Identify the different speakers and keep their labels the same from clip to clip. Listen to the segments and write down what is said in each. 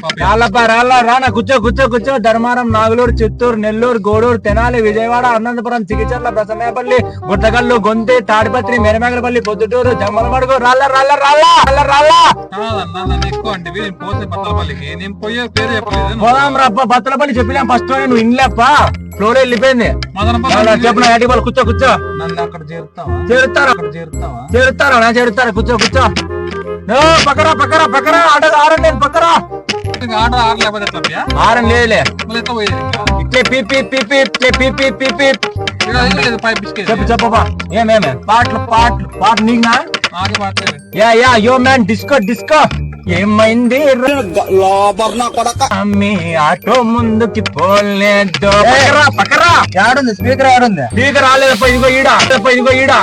Speaker 1: రానా కూర్చో కూర్చో కూర్చో. ధర్మారం, నాగులూరు, చిత్తూరు, నెల్లూరు, గూడూరు, తెనాలి, విజయవాడ, అనంతపురం, చికిచర్ల, ప్రసన్నపల్లి, గుట్టగల్లు, గొంతి, తాడిపత్రి, మెరమేగలపల్లి, పొద్దుటూరు, జమ్మలమడుగు, రాళ్ళ రాళ్ళ రాళ్ళ రాళ్ళ. పోదాం రప్ప బత్తలపల్లి చెప్పినా ఫస్ట్ నువ్వు ఇన్లేప్ప ఫ్లోర్ వెళ్ళిపోయింది. చెప్పిన ఏటి వాళ్ళు కూర్చో కూర్చో. చేరుతారా కూర్చో కూర్చో. పక్కరా పక్కరా పక్కరా ఆరండి పక్కరా ఆరం లేదులే ఇట్లే పీపీ పీపీ ఇట్లే పీపీ పీపీ చెప్పు చెప్పబా. ఏమేమే పాటలు నీకునా? Yeah yo man disco disco. ఏమైంది అమ్మి ఆటో ముందుకి పోలేదు. పక్కరా ఏడుంది స్పీకర్ ఏడుంది? స్పీకర్ రాలేదప్ప. ఇదిగో ఈడ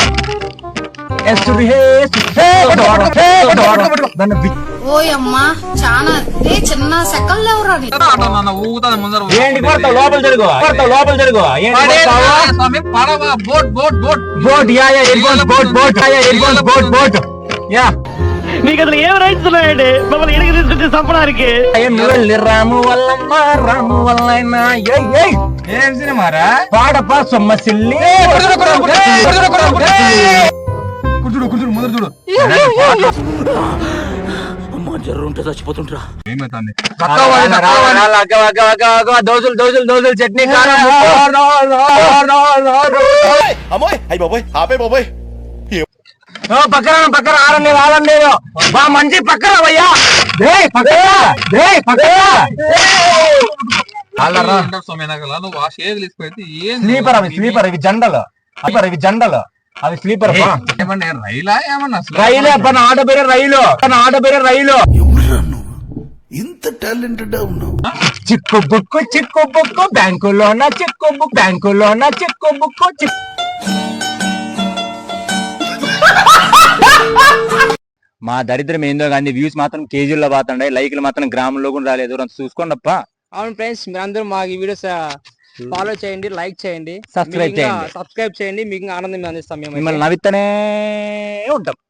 Speaker 2: ఓయమ్మా చాలా చిన్న సెకండ్
Speaker 1: ఏంటి కొడతావు? లోపల జరుగు బోట్. యా
Speaker 3: మీకు అసలు ఏం రైట్స్ ఉన్నాయండి మమ్మల్ని ఎడికి తీసుకొచ్చి చంపడానికి?
Speaker 1: రాము వల్ల ఏం సినిమారా? పాడపా సొమ్మసిల్లి కూర్చుడు ముందర చూడు.
Speaker 3: జర్రుంటే చచ్చిపోతుంటా.
Speaker 1: దోసులు చట్నీ పక్కన ఆరండి బా మంచి పక్కన భయ్యా. స్లీపర్ ఇవి జెండలు అవి స్లీపర్. రైలే పని ఆడబేరే రైలు.
Speaker 4: ఇంత టాలెంటెడ్ ఉన్నావు.
Speaker 1: చిక్కు బుక్కు బ్యాంకులోన చిక్కు బుక్కు. మా దరిద్రం ఏందో కానీ వ్యూస్ మాత్రం కేజీల్లో పోతుండే, లైక్లు మాత్రం గ్రామంలో కూడా రాలేదు. చూసుకోండి అప్ప.
Speaker 5: అవును ఫ్రెండ్స్, మీరందరూ మా ఈ వీడియోస్ ఫాలో చేయండి, లైక్ చేయండి,
Speaker 1: సబ్స్క్రైబ్ చేయండి.
Speaker 5: మీకు ఆనందం అందిస్తాం.
Speaker 1: మిమ్మల్ని నవ్వితేనే ఉంటాం.